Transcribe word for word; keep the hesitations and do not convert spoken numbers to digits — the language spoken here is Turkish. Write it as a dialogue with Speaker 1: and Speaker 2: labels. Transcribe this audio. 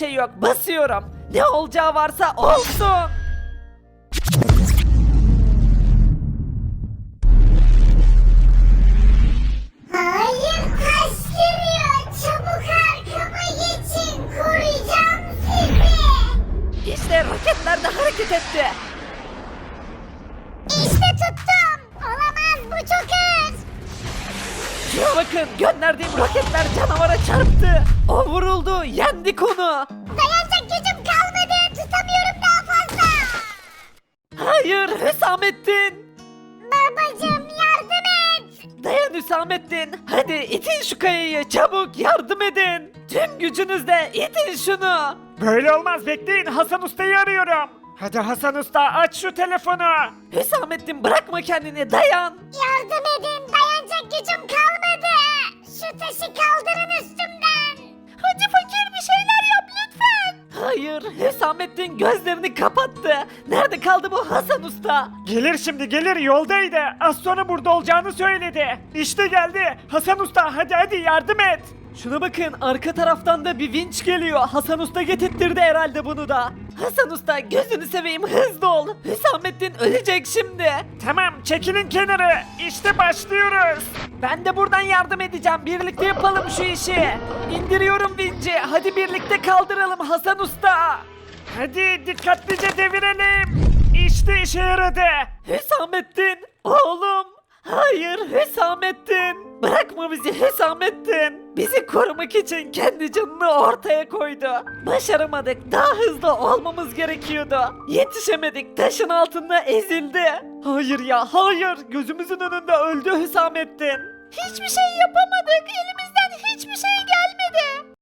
Speaker 1: şey yok. Basıyorum. Ne olacağı varsa olsun.
Speaker 2: Hayır, taş geliyor. Çabuk arkama geçin. Koruyacağım sizi.
Speaker 1: İşte roketler de hareket etti.
Speaker 2: İşte tuttum. Olamaz, bu çok ağır.
Speaker 1: Şuna bakın, gönderdiğim roketler canavara çarptı. O vuruldu, yendik onu.
Speaker 2: Dayanacak gücüm kalmadı. Tutamıyorum daha fazla.
Speaker 1: Hayır Hüsamettin.
Speaker 2: Babacım yardım et.
Speaker 1: Dayan Hüsamettin. Hadi itin şu kayayı, çabuk yardım edin. Tüm gücünüzle itin şunu.
Speaker 3: Böyle olmaz, bekleyin, Hasan Usta'yı arıyorum. Hadi Hasan Usta, aç şu telefonu.
Speaker 1: Hüsamettin bırakma kendini, dayan.
Speaker 2: Yardım edin. Dayanacak gücüm kalmadı. Şu taşı kaldırın üstümden. Hadi fakir bir şeyler yap lütfen.
Speaker 1: Hayır Hüsamettin gözlerini kapattı. Nerede kaldı bu Hasan Usta?
Speaker 3: Gelir şimdi, gelir, yoldaydı. Az sonra burada olacağını söyledi. İşte geldi. Hasan Usta, hadi hadi yardım et.
Speaker 1: Şuna bakın, arka taraftan da bir vinç geliyor. Hasan Usta getirtirdi herhalde bunu da. Hasan Usta gözünü seveyim, hızlı ol. Hüsamettin ölecek şimdi.
Speaker 3: Tamam, çekilin kenarı. İşte başlıyoruz.
Speaker 1: Ben de buradan yardım edeceğim. Birlikte yapalım şu işi. İndiriyorum vinci. Hadi birlikte kaldıralım Hasan Usta.
Speaker 3: Hadi dikkatlice devirelim. İşte işe yaradı.
Speaker 1: Hüsamettin, oğlum. Hayır Hüsamettin. Bırakma bizi Hüsamettin. Bizi korumak için kendi canını ortaya koydu. Başaramadık. Daha hızlı olmamız gerekiyordu. Yetişemedik. Taşın altında ezildi. Hayır ya hayır. Gözümüzün önünde öldü Hüsamettin.
Speaker 2: Hiçbir şey yapamadık. Elimizden hiçbir şey gelmedi.